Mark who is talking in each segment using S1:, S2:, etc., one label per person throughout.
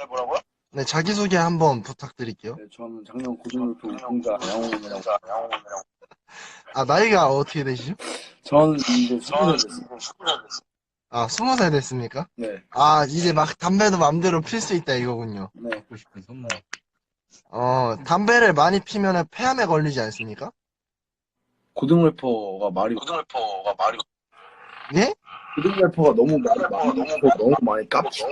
S1: 네, 자기소개 한번 부탁드릴게요.
S2: 네, 저는 작년 고등학교 우승자 양홍이라고.
S1: 아, 나이가 어떻게 되시죠?
S2: 저는 이제 20살 됐어요.
S1: 아, 20살 됐습니까?
S2: 네,
S1: 아, 이제 막 담배도 맘대로 필 수 있다 이거군요.
S2: 네.
S1: 담배를 많이 피면은 폐암에 걸리지 않습니까?
S2: 고등 래퍼가 말이,
S1: 예?
S2: 고등 래퍼가 너무 말이 많고 너무 많이 깝치.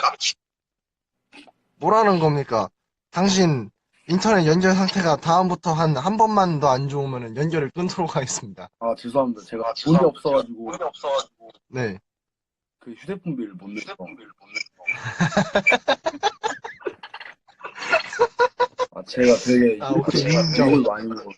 S1: 뭐라는 겁니까? 당신 인터넷 연결 상태가 다음부터 한 번만 더 안 좋으면 연결을 끊도록 하겠습니다.
S2: 아, 죄송합니다. 제가 돈이 없어가지고
S1: 네.
S2: 그 휴대폰 비를 못 내서. 아, 제가 되게
S1: 아, 오케이, 인정.
S2: 욕을 많이 먹었어.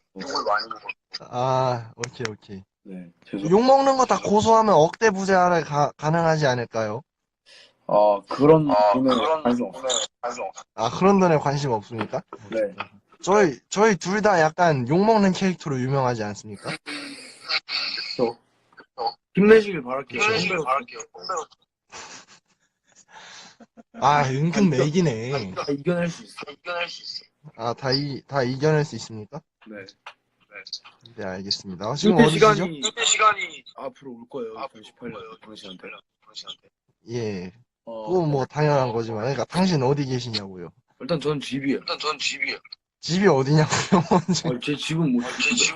S1: 아, 오케이.
S2: 네, 죄송.
S1: 욕 먹는 거 다 고소하면 억대 부재하래 가능하지 않을까요?
S2: 아, 그런 돈에 관심 없어요.
S1: 아, 그런 돈에 관심 없습니까?
S2: 네.
S1: 저희 둘 다 약간 욕 먹는 캐릭터로 유명하지 않습니까?
S2: 저 힘내시길 바랄게요.
S1: 아, 은근 맥이네.
S2: 다 이겨낼 수 있어.
S1: 아, 다 이겨낼 수 있습니까?
S2: 네.
S1: 네, 알겠습니다. 지금
S2: 그때
S1: 어디시죠?
S2: 시간이 앞으로 올 거예요. 2018년 당신한테.
S1: 예.
S2: 어,
S1: 그건 뭐 당연한 거지만, 그러니까 당신 어디 계시냐고요?
S2: 일단 전 집이에요.
S1: 집이 어디냐고요? 먼저.
S2: 제 집은 못.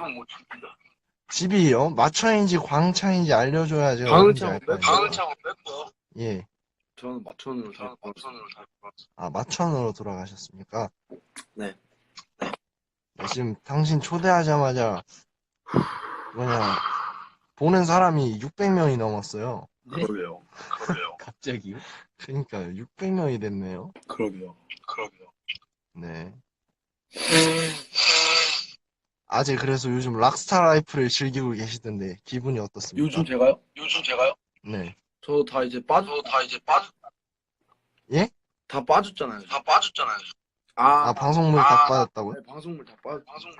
S1: 집이요? 마천인지 광창인지 알려줘야 제가
S2: 방을
S1: 어딘지
S2: 차고
S1: 알 거
S2: 뺐고요.
S1: 아니에요? 예.
S2: 저는 마천으로 다.
S1: 아, 마천으로 돌아가셨습니까?
S2: 네.
S1: 네, 지금 당신 초대하자마자 뭐냐 보는 사람이 600명이 넘었어요.
S2: 그러게요.
S3: 갑자기요?
S1: 그러니까요. 600명이 됐네요.
S2: 그러게요.
S1: 네. 아직 그래서 요즘 락스타 라이프를 즐기고 계시던데 기분이 어떻습니까?
S2: 요즘 제가요?
S1: 네.
S2: 저 다 이제
S1: 예?
S2: 다 빠졌잖아요.
S1: 아, 방송물 다 빠졌다고요?
S2: 네, 방송물 다 빠졌.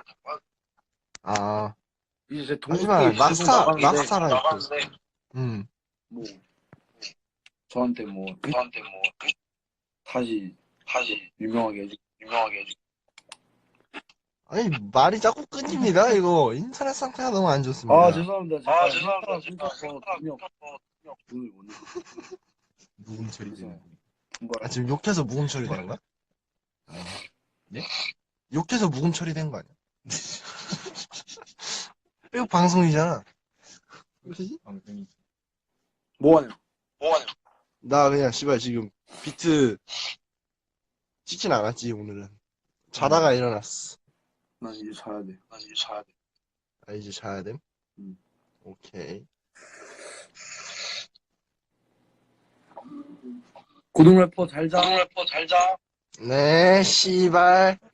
S1: 아,
S2: 이제 제
S1: 하지만
S2: 동생이 계속 나가는데
S1: 락스타 라이프.
S2: 뭐 저한테 뭐 다시 유명하게 해주.
S1: 아니, 말이 자꾸 끊깁니다, 이거. 인터넷 상태가 너무 안 좋습니다.
S2: 아, 죄송합니다. 제가 끊겨서 돈을 못 내고.
S3: 녹음 처리되는
S1: 아, 지금 욕해서 무음 처리된 거야?
S3: 네?
S1: 욕해서 무음 처리된 거 아니야? 이거 방송이잖아. 그지?
S3: 방송이
S2: 뭐 하냐?
S1: 나 그냥 씨발 지금 비트 찍진 않았지 오늘은. 자다가 일어났어.
S2: 난 이제 자야 돼.
S1: 아, 이제 자야 됨?
S2: 음.
S1: 오케이.
S2: 고등 래퍼 잘 자.
S1: 네, 씨발.